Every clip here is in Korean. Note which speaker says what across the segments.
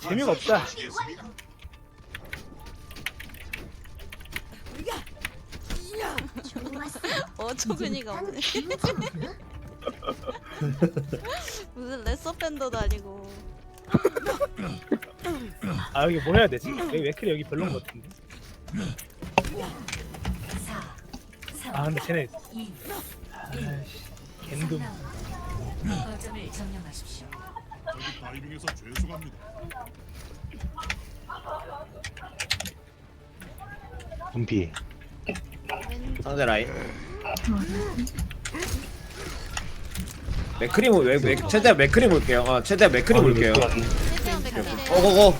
Speaker 1: 재미가 없다.
Speaker 2: 어처구니가 없네. 무슨 레서 밴더도 아니고.
Speaker 1: 아 여기 뭐 해야 되지? 여기 웨클이 여기 별론 것 같은데. 아 근데 쟤네 아이씨 겐둠.
Speaker 3: 거점을 점령하십시오.
Speaker 4: 저기 타이밍에서 죄송합니다.
Speaker 5: 준비.
Speaker 6: 상대 라인. 맥크림 최대한 맥크림 올게요. 최대한 맥크림 올게요.
Speaker 2: 최대한 맥힐에
Speaker 6: 고고고.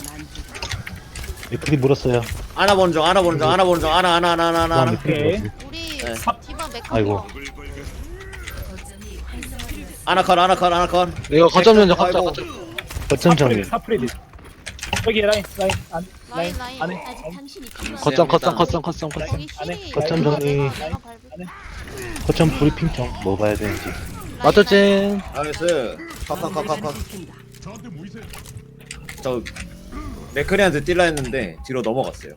Speaker 5: 맥클이 물었어요.
Speaker 6: 아나 본종 아나
Speaker 5: 다음 맥클이 물었어.
Speaker 2: 우리
Speaker 6: 네.
Speaker 2: 디바 맥힐.
Speaker 5: 아이고.
Speaker 3: 거점이 활성화되었습니다.
Speaker 6: 아나 컷.
Speaker 7: 이거 거점 연장
Speaker 6: 아이고.
Speaker 7: 거점.
Speaker 5: 거점 정리.
Speaker 1: 사프레디. 여기 라인
Speaker 2: 라인
Speaker 1: 안에.
Speaker 2: 아직 당신이 필요한
Speaker 7: 거점.
Speaker 2: 여기
Speaker 1: 안에.
Speaker 2: 힐이
Speaker 5: 거점
Speaker 2: 내가
Speaker 5: 정리.
Speaker 2: 내가 밟을게.
Speaker 5: 거점 브리핑 좀 뭐 봐야 되는지.
Speaker 7: 맞췄지.
Speaker 6: 나이스. 컷.
Speaker 4: 저한테 모이세요.
Speaker 6: 저 맥크리한테 뛸라 했는데 뒤로 넘어갔어요.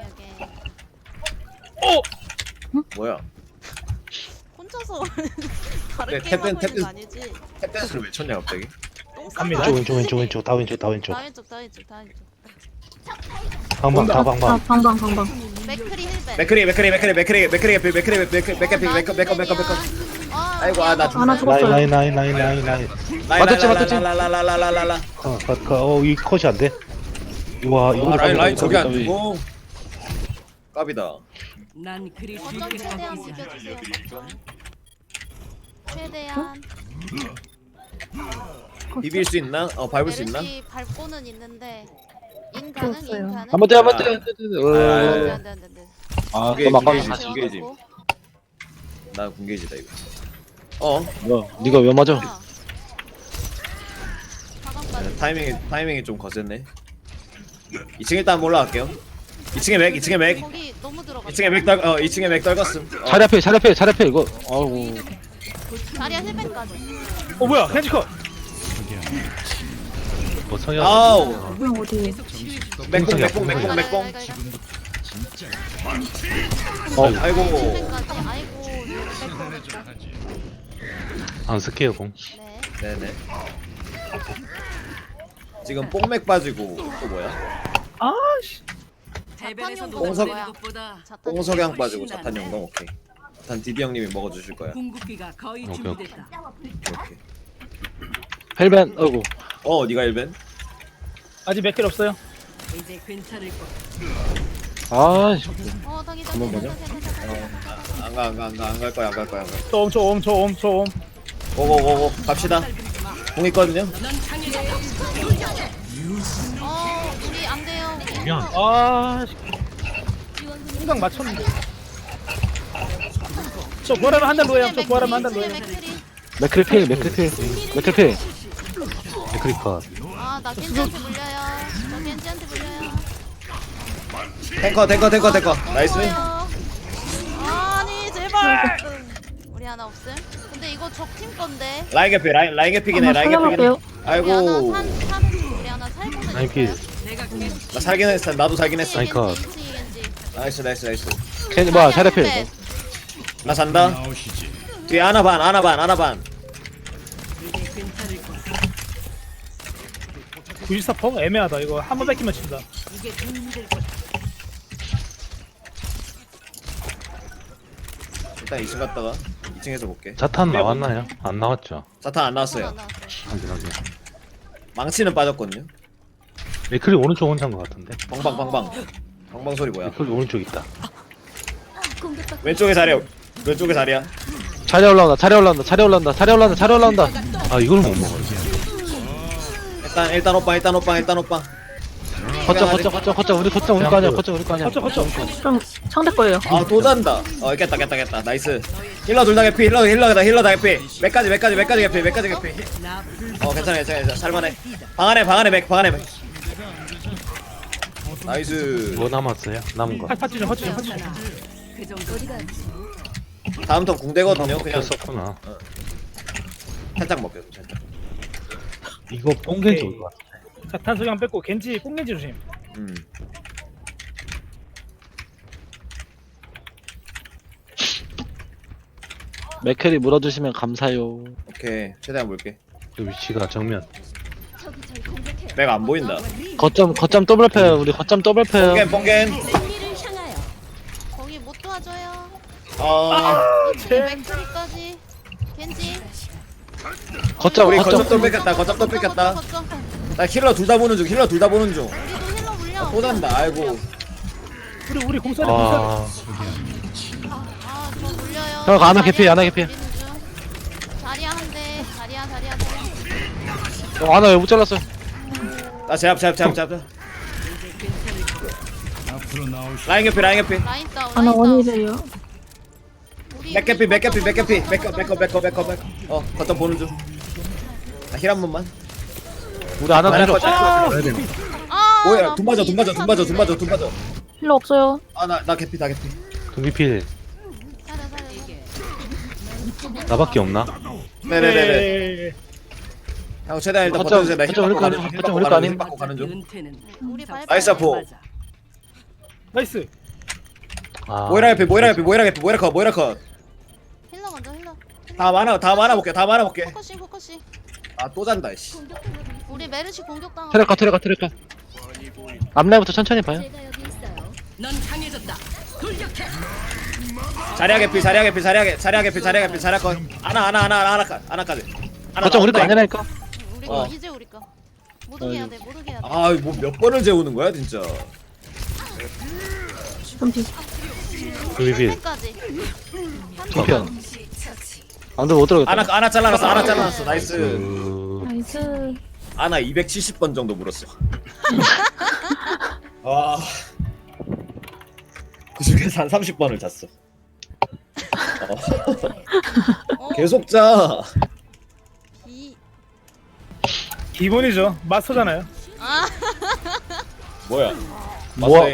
Speaker 2: 여기.
Speaker 6: 뭐야?
Speaker 2: 혼자서 다른
Speaker 6: 네,
Speaker 2: 게임 하고
Speaker 6: 탭
Speaker 2: 있는 거 아니지?
Speaker 6: 탭댄스를 왜 쳤냐 갑자기?
Speaker 2: 똥
Speaker 1: 갑니다.
Speaker 2: 싸고
Speaker 5: 왼쪽 다 왼쪽.
Speaker 2: 다 왼쪽.
Speaker 5: 방방 다 방방.
Speaker 8: 방방.
Speaker 2: 맥크리 힐벤.
Speaker 6: 맥크리. 아이고 나
Speaker 8: 하나 죽었어요.
Speaker 5: 라인.
Speaker 7: 맞았지.
Speaker 6: 라라라라라라라라.
Speaker 5: 이 컷이 안 돼. 와 이거
Speaker 6: 라인 저기 안 두고. 깝이다.
Speaker 3: 난 그리
Speaker 2: 거점
Speaker 3: 쉽게
Speaker 2: 최대한
Speaker 3: 꺾이지 않아.
Speaker 2: 비벼주세요. 최대한.
Speaker 6: 비빌 수 있나? 밟을 수 있나?
Speaker 2: 메르시 밟고는 있는데 인
Speaker 8: 없어요.
Speaker 2: 가능.
Speaker 7: 한번 더.
Speaker 2: 안돼.
Speaker 7: 아,
Speaker 6: 그게
Speaker 7: 또 막아.
Speaker 6: 이게 중계지. 나 군계지다 이거.
Speaker 7: 뭐야? 네가 왜 맞아?
Speaker 6: 타이밍이 좀 거셌네. 2층 일단 한번 올라갈게요. 2층에 맥.
Speaker 2: 거기 너무 들어가.
Speaker 6: 2층에 맥 떨궜음.
Speaker 7: 자리 앞에 이거. 아우.
Speaker 2: 자리야 힐벤까지.
Speaker 1: 뭐야 캔지컷.
Speaker 5: 뭐 성형.
Speaker 6: 아우.
Speaker 8: 어디?
Speaker 6: 맥봉. 아이고.
Speaker 2: 힐벤까지. 아이고.
Speaker 5: 안 쓸게요 공.
Speaker 2: 네.
Speaker 6: 네네. 지금 뽕맥 빠지고 또 뭐야?
Speaker 1: 아씨.
Speaker 3: 대변에서
Speaker 2: 자탄
Speaker 6: 용도
Speaker 3: 녹아내는
Speaker 2: 뭐야?
Speaker 3: 것보다
Speaker 2: 자탄
Speaker 6: 뽕석양 빠지고 자탄 용감 오케이. 자탄 디디 형님이 먹어주실 거야.
Speaker 3: 궁극기가 거의
Speaker 5: 오케이,
Speaker 3: 준비됐다.
Speaker 6: 오케이.
Speaker 7: 헬벤. 아이고.
Speaker 6: 니가 1벤?
Speaker 1: 아직 맥힐 없어요.
Speaker 3: 이제 괜찮을 거야.
Speaker 7: 아,
Speaker 2: 당이
Speaker 7: 한번 보자.
Speaker 6: 안 갈 거야.
Speaker 1: 저 옴.
Speaker 6: 고고고고 갑시다. 공 있거든요.
Speaker 2: 우리 안 돼요.
Speaker 1: 아. 생각 맞췄는데. 저 부활하면 한달 로에요.
Speaker 7: 맥크리 필.
Speaker 5: 맥클이 컷.
Speaker 2: 나 겐지한테 물려요.
Speaker 6: 탱커. 나이스.
Speaker 2: 아니 제발. 우리 하나 없음. 근데 이거 적팀 건데.
Speaker 6: 라인 개피긴 해.
Speaker 8: 한번 살려볼게요.
Speaker 6: 아이고.
Speaker 2: 우리 하나 살고는
Speaker 5: 라인 필.
Speaker 3: 내가
Speaker 6: 나 살긴 했어. 나도 살긴 했어.
Speaker 5: 라인 컷.
Speaker 6: 나이스.
Speaker 7: 캔 뭐야? 자리 앞에.
Speaker 6: 나 산다. 뒤에 하나 반.
Speaker 3: 이제 괜찮을 거야.
Speaker 1: 94% 애매하다. 이거 한 번 뺏기면 진다.
Speaker 3: 이게 좀 힘들 거야.
Speaker 6: 일단 2층 갔다가 2층에서 볼게.
Speaker 5: 자탄 나왔나요? 안 나왔죠.
Speaker 6: 자탄 안 나왔어요.
Speaker 5: 확인하게.
Speaker 6: 망치는 빠졌거든요.
Speaker 5: 맥클이 오른쪽 혼자인 것 같은데.
Speaker 6: 방방 소리 뭐야?
Speaker 5: 맥클이 오른쪽 있다.
Speaker 6: 왼쪽에 자리야.
Speaker 7: 자리 올라온다.
Speaker 5: 아 이걸 못 먹어.
Speaker 6: 일단 오빠.
Speaker 7: 거점. 우리 거 아니야.
Speaker 1: 거쳐.
Speaker 8: 좀 상대 거예요.
Speaker 6: 또 잔다. 깼다. 나이스. 힐러 둘 다 개피. 힐러 다 개피. 맥까지 개피.
Speaker 3: 나 불.
Speaker 6: 괜찮아. 살만해. 방 안에 맥. 나이스.
Speaker 5: 뭐 남았어요? 남은 거.
Speaker 1: 파츠 좀.
Speaker 3: 그 정도.
Speaker 6: 다음 턴 궁대거든요. 그냥
Speaker 5: 썼구나.
Speaker 6: 살짝 먹게. 살짝.
Speaker 5: 이거 뽕겐지 올것 같아.
Speaker 1: 자탄 소경 뺐고 겐지 뽕겐지 조심.
Speaker 7: 맥클이 물어주시면 감사요.
Speaker 6: 오케이 최대한 볼게.
Speaker 5: 그 위치가 정면.
Speaker 6: 내가 안 보인다.
Speaker 7: 거점 더블 패요. 우리 거점 더블 패요.
Speaker 6: 뽕겐
Speaker 2: 거기 못 도와줘요.
Speaker 6: 아
Speaker 2: 2층에 맥크리까지. 겐지.
Speaker 7: 거점
Speaker 6: 우리
Speaker 7: 거점.
Speaker 6: 거점 또 뺏겼다. 거점 또 뺏겼다.
Speaker 2: 거점.
Speaker 6: 나 힐러 둘 다 보는 중. 힐러 둘 다 보는 중.
Speaker 2: 우리도 힐러 물려.
Speaker 6: 또 잔다. 아이고.
Speaker 1: 우리 공사리 공사리.
Speaker 5: 아,
Speaker 2: 저 물려요.
Speaker 7: 형, 아나 개피, 아나 개피.
Speaker 2: 우리는 중. 자리야 한 대. 자리야.
Speaker 7: 아나 왜 못 잘랐어?
Speaker 6: 나 제압. 라인 개피.
Speaker 2: 라인 다운.
Speaker 8: 아나 원이래요.
Speaker 6: 맥개피. 거점 보는 중. 나 힐 한 번만.
Speaker 7: 우리 아나
Speaker 6: 라인
Speaker 7: 필요 없어.
Speaker 6: 거점.
Speaker 5: 가야 되나?
Speaker 6: 뭐야? 돈 맞아.
Speaker 8: 필요 없어요.
Speaker 6: 나 개피.
Speaker 5: 등비필 나밖에 없나?
Speaker 6: 네네네. 형 최대한 일단
Speaker 7: 거점,
Speaker 6: 버텨주세요. 나
Speaker 7: 거점
Speaker 6: 힐
Speaker 7: 우리 거 아님? 거점 우리 거 아님?
Speaker 6: 받고 가는 중.
Speaker 3: 은퇴는
Speaker 2: 우리 발.
Speaker 6: 나이스 아포.
Speaker 3: 맞아.
Speaker 1: 나이스.
Speaker 5: 아,
Speaker 6: 모이라 컷.
Speaker 2: 힐러 먼저 힐러.
Speaker 6: 다 많아 볼게.
Speaker 2: 포커싱.
Speaker 6: 아 또 잔다 씨.
Speaker 2: 우리 메르시 공격당하고.
Speaker 7: 트랙커. 앞라인부터 천천히 봐요.
Speaker 3: 넌 강해졌다. 돌격해.
Speaker 6: 자리야 개피. 컷. 하나까지.
Speaker 7: 거점 우리 거 아니라니까.
Speaker 2: 우리 거 이제 우리 거. 못 오게 해야 돼.
Speaker 6: 아, 뭐 몇 번을 재우는 거야, 진짜.
Speaker 8: 좀비.
Speaker 5: 등비필
Speaker 2: 까지.
Speaker 7: 뒤편. 안돼 못 들어겠다.
Speaker 6: 하나 잘라놨어. 나이스.
Speaker 8: 나이스.
Speaker 6: 하나 270번 정도 물었어. 와. 그 중에서 한 30번을 잤어. 계속 자.
Speaker 1: 기본이죠. 마스터잖아요.
Speaker 6: 뭐야?
Speaker 7: 뭐야?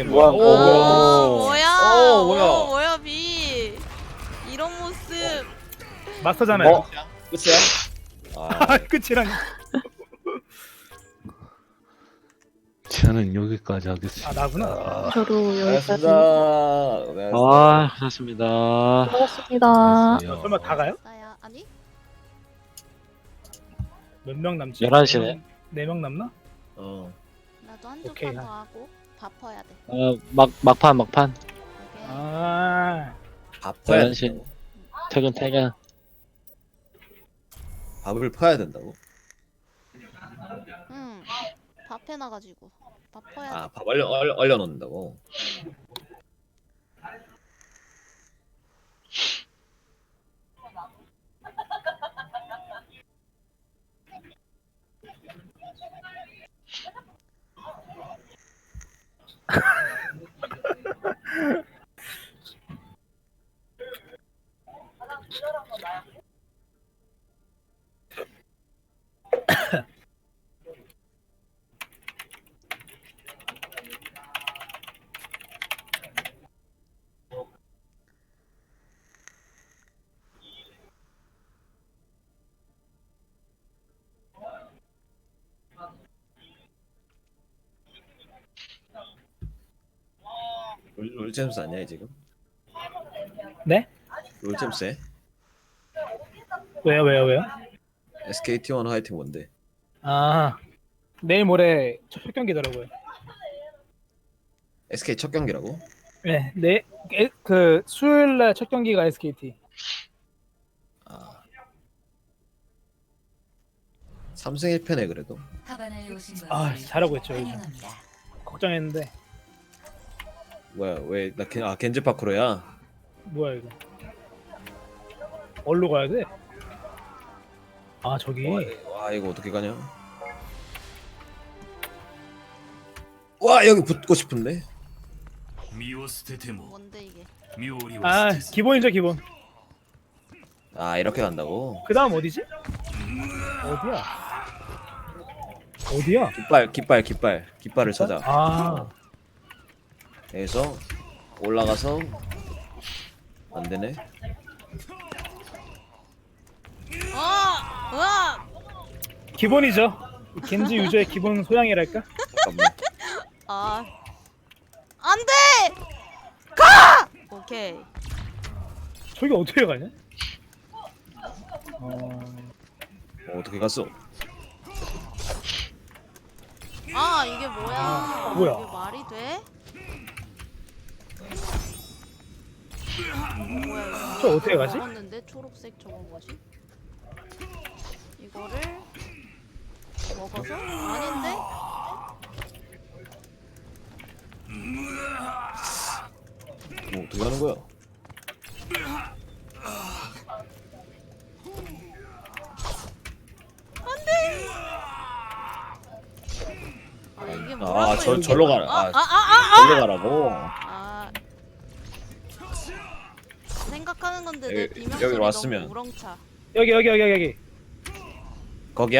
Speaker 2: 뭐야 비. 이런 모습.
Speaker 1: 마스터잖아요.
Speaker 6: 끝이야?
Speaker 1: 아, 끝이라니.
Speaker 5: 저는 여기까지 하겠습니다.
Speaker 1: 아, 나구나.
Speaker 8: 저도 여기까지.
Speaker 6: 알겠습니다.
Speaker 7: 아 고맙습니다.
Speaker 8: 고맙습니다.
Speaker 1: 설마 다 가요?
Speaker 2: 나야 아니?
Speaker 1: 몇 명 남지?
Speaker 7: 11시 네.
Speaker 1: 4명 남나?
Speaker 2: 나도 한두
Speaker 1: 오케이,
Speaker 2: 판 더
Speaker 1: 하.
Speaker 2: 하고 밥퍼야 돼.
Speaker 7: 막판.
Speaker 2: 오케이.
Speaker 1: 아,
Speaker 6: 밥 퍼야
Speaker 7: 11시 퇴근.
Speaker 6: 밥을 퍼야 된다고?
Speaker 2: 응. 밥 해놔가지고 밥퍼야 돼.
Speaker 6: 아, 밥 얼려 놓는다고? 롤챔스 아니야 지금?
Speaker 1: 네?
Speaker 6: 롤챔스에?
Speaker 1: 왜요?
Speaker 6: SKT1 화이팅 뭔데?
Speaker 1: 아, 내일 모레 첫 경기더라고요.
Speaker 6: SK 첫 경기라고?
Speaker 1: 네, 그 수요일 날 첫 경기가 SKT.
Speaker 6: 아 3승 1패네 그래도.
Speaker 1: 아, 잘하고 있죠. 요즘. 걱정했는데
Speaker 6: 뭐야 왜 나 겐지 파크로야?
Speaker 1: 뭐야 이거? 어디로 가야 돼? 아, 저기.
Speaker 6: 와 이거 어떻게 가냐? 와 여기 붙고 싶은데?
Speaker 2: 뭔데 이게?
Speaker 1: 아, 기본이죠, 기본.
Speaker 6: 아 이렇게 간다고?
Speaker 1: 그 다음 어디지? 어디야?
Speaker 6: 깃발을 찾아.
Speaker 1: 아,
Speaker 6: 여기서 올라가서 안 되네.
Speaker 2: 우와!
Speaker 1: 기본이죠. 겐지 유저의 기본 소양이랄까?
Speaker 6: 잠깐만.
Speaker 2: 아 안돼 가 오케이
Speaker 1: 저기 어떻게 가냐?
Speaker 6: 어떻게 갔어?
Speaker 2: 아 이게 뭐야
Speaker 1: 뭐야?
Speaker 2: 이게 말이 돼? 뭐야 이거
Speaker 1: 저 어떻게 가지?
Speaker 2: 먹었는데 초록색 저거 뭐지? 이거를 먹어서? 아닌데?
Speaker 6: 뭐 어떻게 하는 거야?
Speaker 2: 아 이게 뭐라고
Speaker 6: 절로 가라. 절로 가라고.
Speaker 2: 아 생각하는 건데 내
Speaker 6: 여기-
Speaker 2: 비명
Speaker 6: 여기로
Speaker 2: 소리
Speaker 6: 왔으면.
Speaker 2: 너무 우렁차.
Speaker 1: 여기.
Speaker 6: 거기야?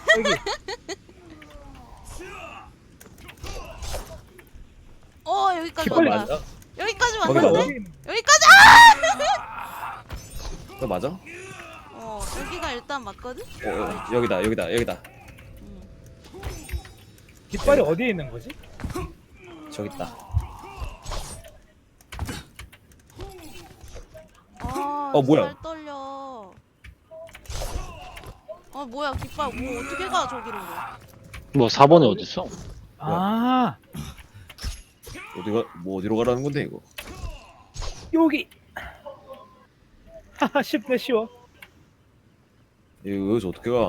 Speaker 2: 여기까지
Speaker 1: 깃발이
Speaker 2: 왔다.
Speaker 6: 맞아?
Speaker 2: 여기까지
Speaker 6: 거기
Speaker 2: 왔는데?
Speaker 6: 맞아?
Speaker 2: 여기까지
Speaker 6: 그거 맞아?
Speaker 2: 여기가 일단 맞거든?
Speaker 6: 여기다.
Speaker 1: 깃발이 어디에 있는 거지?
Speaker 6: 저기 있다. 뭐야?
Speaker 2: 잘 떨려. 뭐야 깃발 뭐 어떻게 가 저기로?
Speaker 7: 뭐 4번이 어딨어?
Speaker 1: 아
Speaker 6: 어디로 가라는 건데 이거?
Speaker 1: 여기. 하하 쉽네 쉬워.
Speaker 6: 이거 여기서 어떻게 가?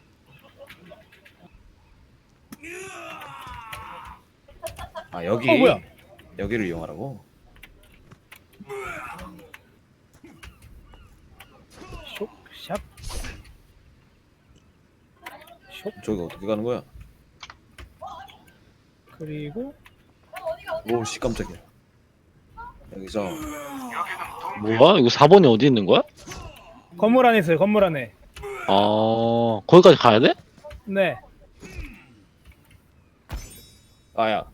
Speaker 6: 아 여기.
Speaker 1: 뭐야?
Speaker 6: 여기를 이용하라고?
Speaker 1: 샵.
Speaker 6: 저기 어떻게 가는 거야?
Speaker 1: 그리고
Speaker 6: 오씨 깜짝이야. 여기서
Speaker 7: 뭐야? 이거 4번이 어디 있는 거야?
Speaker 1: 건물 안에 있어요. 건물 안에.
Speaker 7: 거기까지 가야 돼?
Speaker 1: 네.
Speaker 6: 아야.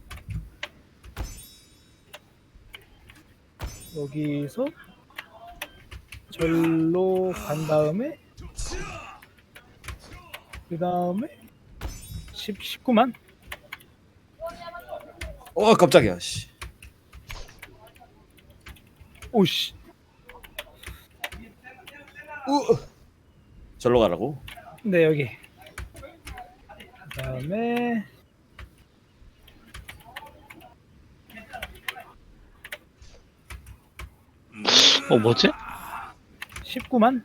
Speaker 1: 여기서 절로 간 다음에 그 다음에 19만.
Speaker 6: 깜짝이야. 씨.
Speaker 1: 오씨.
Speaker 6: 절로 가라고?
Speaker 1: 네 여기. 그 다음에
Speaker 7: 뭐지?
Speaker 1: 19만.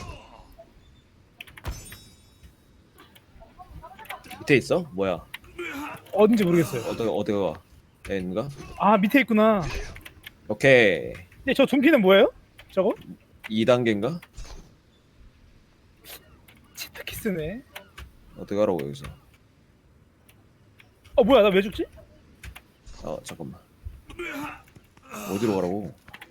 Speaker 6: 밑에 있어? 뭐야?
Speaker 1: 어딘지 모르겠어요.
Speaker 6: 어디가 가? 여기 있는가?
Speaker 1: 아 밑에 있구나.
Speaker 6: 오케이.
Speaker 1: 근데 저 둠피는 뭐예요? 저거?
Speaker 6: 2단계인가?
Speaker 1: 치트키스네.
Speaker 6: 어떻게 가라고 여기서?
Speaker 1: 뭐야 나 왜 죽지?
Speaker 6: 잠깐만. 어디로 가라고?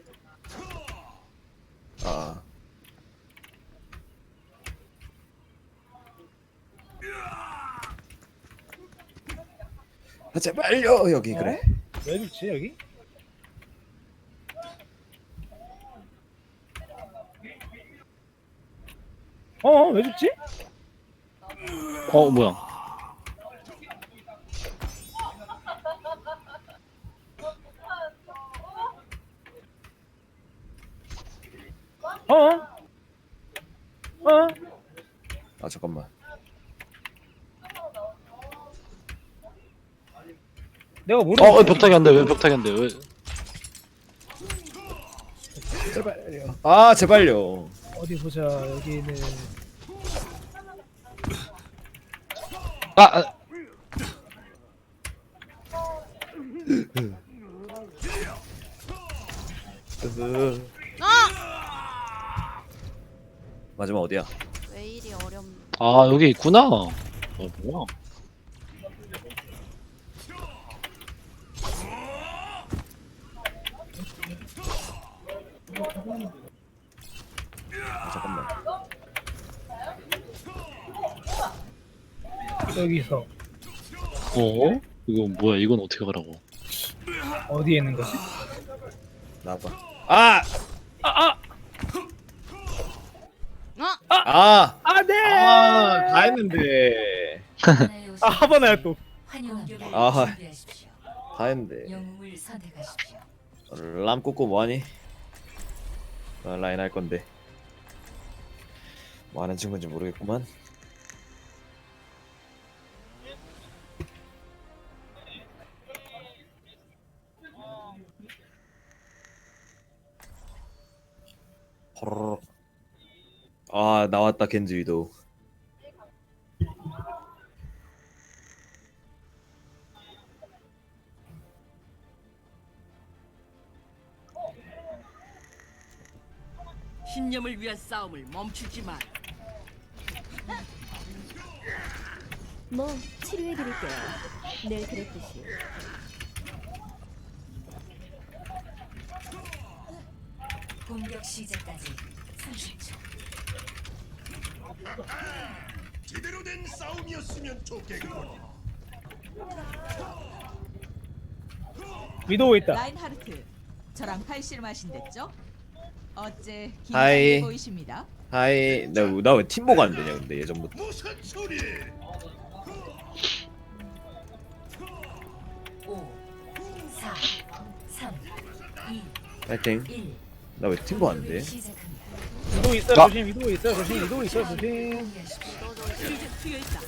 Speaker 6: 제발요 여기 그래.
Speaker 1: 왜 죽지 여기? 왜 죽지?
Speaker 7: 뭐야?
Speaker 6: 잠깐만.
Speaker 1: 내가 모르겠어.
Speaker 7: 벽타기 안 돼. 왜 벽타기 안 돼? 왜?
Speaker 1: 제발요.
Speaker 6: 제발요.
Speaker 1: 어디 보자. 여기는
Speaker 6: 마지막 어디야?
Speaker 2: 왜 이리 어렵노?
Speaker 7: 여기 있구나. 뭐야?
Speaker 6: 잠깐만.
Speaker 1: 여기서
Speaker 7: 이거 뭐야? 이건 어떻게 가라고?
Speaker 1: 어디에 있는 거지?
Speaker 6: 나봐.
Speaker 1: 네.
Speaker 6: 다 했는데.
Speaker 1: 아 하바나야 또.
Speaker 6: 아하 다 했는데
Speaker 3: 영웅을 선택하십시오.
Speaker 6: 람 꽂고 뭐하니? 라인 할 건데 뭐 하는 친구인지 모르겠구만. 호로록. 아 나왔다 겐지 위도.
Speaker 3: 신념을 위한 싸움을 멈추지 마.
Speaker 9: 뭐 치료해드릴게요. 늘 그랬듯이.
Speaker 3: 공격 시작까지 30초.
Speaker 4: 제대로 된 싸움이었으면 좋겠군.
Speaker 1: 위도우 있다.
Speaker 10: 라인하르트, 저랑 팔씨름하신댔죠? 어째
Speaker 6: 하이.
Speaker 10: 긴장해 보이십니다.
Speaker 6: 하이 나 왜 팀보가 안 되냐 근데 예전부터.
Speaker 4: 무슨 소리?
Speaker 3: 5, 4, 3, 2,
Speaker 6: 파이팅.
Speaker 3: 1.
Speaker 6: 나 왜 팀보 안 돼?
Speaker 3: 시작합니다.
Speaker 1: 위도우 있어요.
Speaker 7: 아.
Speaker 1: 조심. 위도우 있어요. 조심. 위도우 있어요. 조심.
Speaker 3: 이제 트여 있다.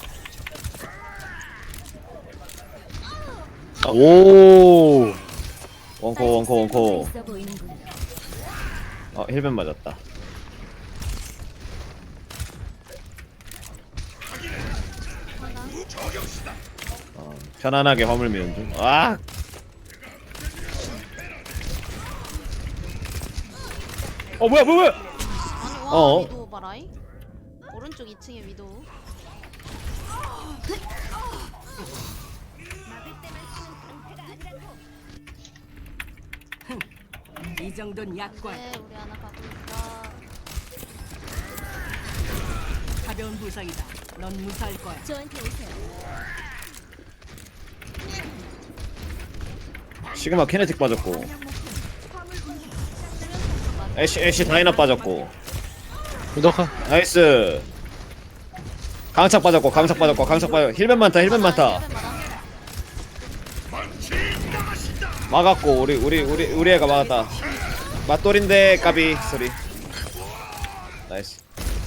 Speaker 7: 오.
Speaker 6: 원코.
Speaker 9: 있어 보이는군요.
Speaker 6: 힐벤 맞았다. 편안하게 화물 미는 중. 아!
Speaker 1: 뭐야.
Speaker 2: 아니 와
Speaker 6: 어.
Speaker 2: 위도우 봐라이. 오른쪽 2층에 위도우.
Speaker 3: 이 정도는 약관.
Speaker 2: 네 우리 하나 가고 있다.
Speaker 3: 가벼운 부상이다. 넌 무사할 거야.
Speaker 9: 저한테 오세요.
Speaker 6: 시그마 키네틱 빠졌고. 애쉬 다이나 빠졌고.
Speaker 7: 무덕아.
Speaker 6: 나이스. 강착 빠졌고. 힐벤 많다. 막았고 우리 애가 막았다. 맞돌인데 까비 소리. 나이스.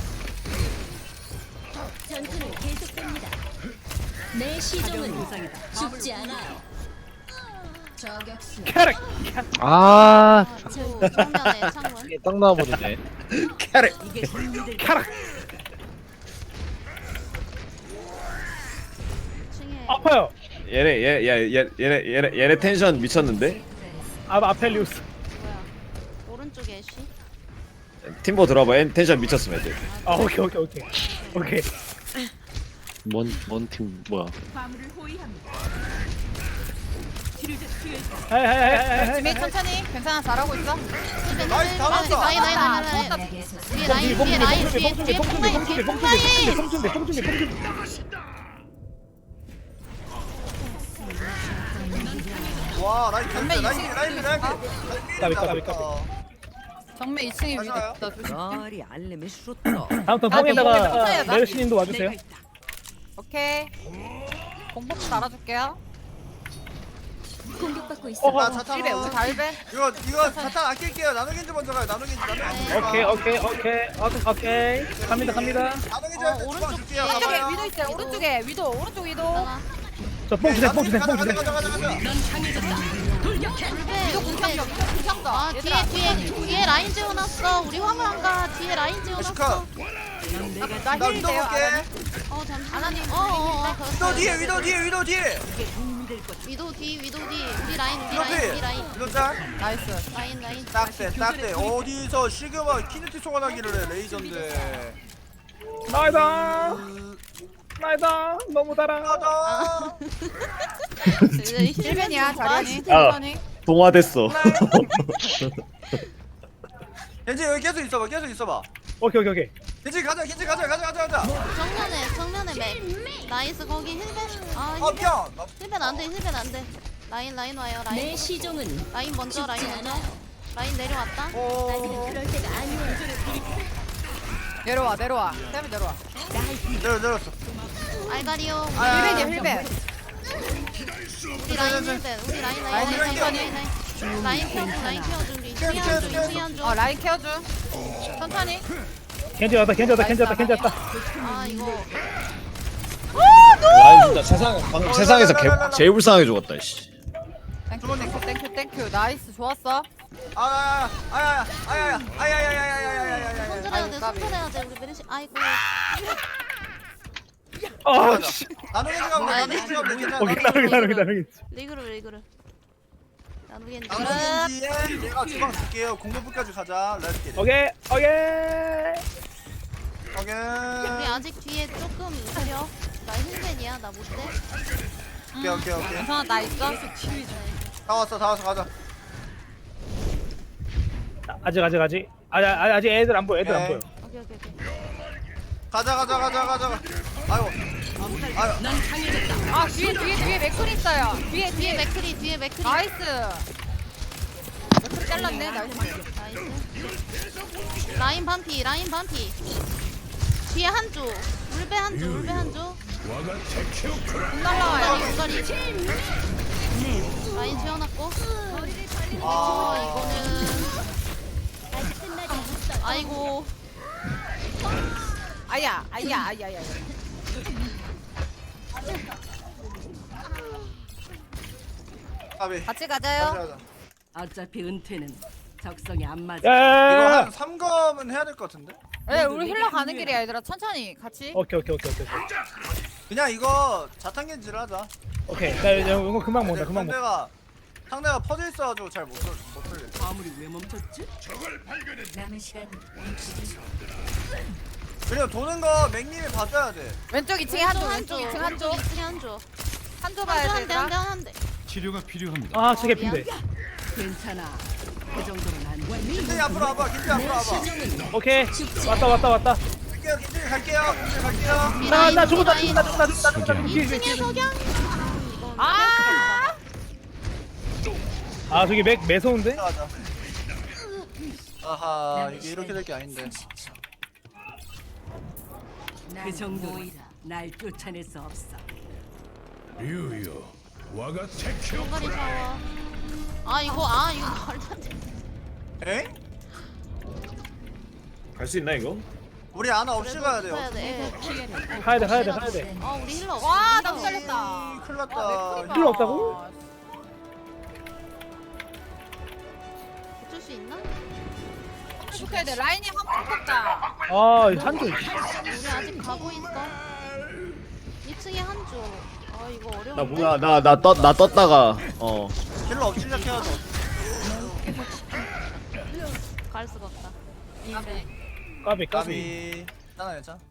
Speaker 9: 전투는 계속됩니다. 내 시종은
Speaker 3: 부상이다.
Speaker 9: 죽지 않아요.
Speaker 1: 캐릭.
Speaker 7: 아.
Speaker 2: 정면에 창문.
Speaker 7: 이게 딱 나와버리네.
Speaker 6: 캐릭.
Speaker 3: 이게 힘들
Speaker 1: 캐릭.
Speaker 2: 2층에
Speaker 1: 아파요.
Speaker 6: 얘네 텐션 미쳤는데?
Speaker 1: 아펠리우스.
Speaker 2: 뭐야? 오른쪽에 애쉬.
Speaker 6: 팀보 들어봐. 텐션 미쳤음 애들.
Speaker 1: 오케이.
Speaker 7: 뭔 팀 뭐야?
Speaker 10: 화물을 호위합니다.
Speaker 3: 치료제 트여 있다.
Speaker 1: 하이.
Speaker 10: 지민 천천히. 괜찮아, 잘하고 있어.
Speaker 2: 라인 뒤에 라인 뒤에 뽕라인.
Speaker 11: 와 라인
Speaker 10: 전면
Speaker 11: 라인
Speaker 10: 2층.
Speaker 11: 라인 라인
Speaker 1: 까비.
Speaker 10: 정면 2층에 위도
Speaker 11: 맞아요.
Speaker 10: 있다. 조심.
Speaker 3: 머리 알림이 슈터.
Speaker 1: 다음 턴
Speaker 10: 아,
Speaker 1: 뽕에다가
Speaker 10: 이거
Speaker 1: 메르시님도 와주세요.
Speaker 3: 내가 있다.
Speaker 10: 오케이. 공법 달아줄게요.
Speaker 9: 공격받고 있어.
Speaker 11: 나 자탄
Speaker 10: 우리 달배.
Speaker 11: 이거 자탄 아낄게요. 나노겐지 먼저 가요. 나노겐지
Speaker 1: 오케이. 갑니다.
Speaker 11: 나노겐지한테 주방 줄게요.
Speaker 10: 오른쪽에
Speaker 11: 가봐요.
Speaker 10: 위도 있어요. 오른쪽에 위도. 오른쪽 위도.
Speaker 1: 저 뽕 주세요.
Speaker 11: 가자.
Speaker 3: 넌 강해졌다. 돌격해.
Speaker 10: 위도 궁켰어. 위도 궁켰어.
Speaker 2: 아 뒤에 라인 지어놨어. 우리 화물 안 가. 뒤에 라인 지어놨어.
Speaker 3: 넌 내가
Speaker 10: 나
Speaker 11: 나
Speaker 10: 힐
Speaker 11: 위도
Speaker 10: 돼요.
Speaker 11: 볼게.
Speaker 2: 잠시만.
Speaker 10: 아나님.
Speaker 11: 위도 뒤에.
Speaker 3: 이게 도움이 될 거다.
Speaker 2: 위도 뒤. 우리 라인.
Speaker 11: 위도 짤.
Speaker 10: 나이스.
Speaker 2: 라인.
Speaker 11: 딱대. 어디서 시그마 키네틱 소환하기를 해 레이저인데.
Speaker 1: 나이다. 너무 달아.
Speaker 11: 가자.
Speaker 10: 힐벤이야. 자리니.
Speaker 6: 아.
Speaker 10: 천천히.
Speaker 6: 동화됐어.
Speaker 11: 겐지 여기 계속 있어봐.
Speaker 1: 오케이.
Speaker 11: 겐지 가자.
Speaker 2: 정면에 맥. 나이스 거기 힐벤.
Speaker 11: 미안.
Speaker 2: 힐벤 안 돼. 라인 와요.
Speaker 9: 내
Speaker 2: 라인.
Speaker 9: 시종은
Speaker 2: 라인 먼저.
Speaker 9: 죽지 않아요.
Speaker 2: 라인 내려왔다.
Speaker 9: 아직은 그럴 때가 아니에요.
Speaker 10: 내려와. 쌤이 내려와.
Speaker 11: 내렸어.
Speaker 2: 알가리오.
Speaker 10: 힐벤이야 힐벤.
Speaker 2: 우리 라인 힐벤. 우리 라인 라인 키워줘 라인 키워줘 우리 수리한 중.
Speaker 10: 라인 케어줘. 천천히.
Speaker 1: 겐지 왔다 겐지 왔다 겐지 왔다 겐지 왔다.
Speaker 2: 아 이거
Speaker 6: 라인 진짜 방금 세상에서 제일 불쌍하게 죽었다 씨.
Speaker 10: 땡큐. 나이스 좋았어.
Speaker 2: 손절해야 돼 손절해야 돼 우리 메르시. 아이고.
Speaker 1: 아 씨.
Speaker 11: 나누게 가면 돼. 나누게 가면 돼.
Speaker 1: 오케이 나누기.
Speaker 2: 리그로. 나누겠는데.
Speaker 11: 나누게 내가 주방 줄게요. 공격부까지 가자. 렛츠
Speaker 1: 오케이.
Speaker 2: 우리
Speaker 11: 오케이.
Speaker 2: 아직 뒤에 조금 있으려. 나 힐벤이야 나 못돼.
Speaker 11: 오케이.
Speaker 10: 괜찮아 나 있어.
Speaker 11: 다 왔어 가자.
Speaker 1: 아직. 아직 애들 안 보여. 애들 안 보여.
Speaker 2: 오케이.
Speaker 11: 가자. 아이고.
Speaker 3: 넌 강해졌다.
Speaker 10: 아 뒤에 맥클 있어요.
Speaker 2: 뒤에 맥크리.
Speaker 10: 나이스. 맥클 잘랐네. 나이스.
Speaker 2: 나이스. 라인 반피. 뒤에 한조. 울베 한조.
Speaker 10: 공 날라와요.
Speaker 2: 우가리. 라인 지어놨고. 이거는. 아이고.
Speaker 10: 아야.
Speaker 11: 가비.
Speaker 10: 같이 가자요.
Speaker 11: 가자.
Speaker 3: 어차피 은퇴는 적성에 안 맞아.
Speaker 11: 이거
Speaker 1: 야야야야.
Speaker 11: 한 3검은 해야 될 것 같은데?
Speaker 10: 네, 우리 힐러 가는 길이야 얘들아. 천천히 같이.
Speaker 1: 오케이.
Speaker 11: 그냥 이거 자탄겐지를 하자.
Speaker 1: 오케이. 나 이거 금방 먹는다. 금방 먹.
Speaker 11: 상대가 퍼져 있어가지고 잘 못 돌려.
Speaker 3: 화물이 왜 멈췄지?
Speaker 9: 남은 시간
Speaker 11: 그리고 도는 거 맥님이 봐줘야 돼.
Speaker 10: 왼쪽 2층에 한쪽. 2층 한쪽. 한쪽 봐야 돼. 얘들아.
Speaker 2: 한대.
Speaker 4: 치료가 필요합니다.
Speaker 1: 아 저게 핀데.
Speaker 3: 괜찮아. 그 정도는 안 돼.
Speaker 11: 김진이 앞으로 와봐.
Speaker 1: 오케이. 왔다.
Speaker 11: 김진이 갈게요.
Speaker 1: 나 죽었다. 뒤에.
Speaker 2: 층에 석양.
Speaker 1: 아 저기 맥 매서운데?
Speaker 11: 가자. 아하 이게 이렇게 될 게 아닌데.
Speaker 3: 그 정도는 날 쫓아낼 수 없어.
Speaker 4: 유유 와가 테큐
Speaker 2: 우가리 샤워. 이거 말도 안 돼.
Speaker 11: 에?
Speaker 6: 갈 수 있나 이거?
Speaker 11: 우리 아나 없이 가야 돼요.
Speaker 1: 가야 돼.
Speaker 2: 우리 힐러 없어.
Speaker 10: 와, 너무 잘렸다.
Speaker 11: 큰일 났다.
Speaker 1: 힐러 없다고?
Speaker 2: 어쩔 수 있나?
Speaker 10: 해야 돼. 라인이 한번 컸다.
Speaker 1: 아 한조.
Speaker 2: 우리 아직 가고 있어. 2층에 한조. 이거 어려운데.
Speaker 6: 나 뭐야 나 떴다가
Speaker 11: 힐러 없이 시작해야죠.
Speaker 2: 갈 수가 없다.
Speaker 1: 까비.
Speaker 11: 까비. 괜찮아.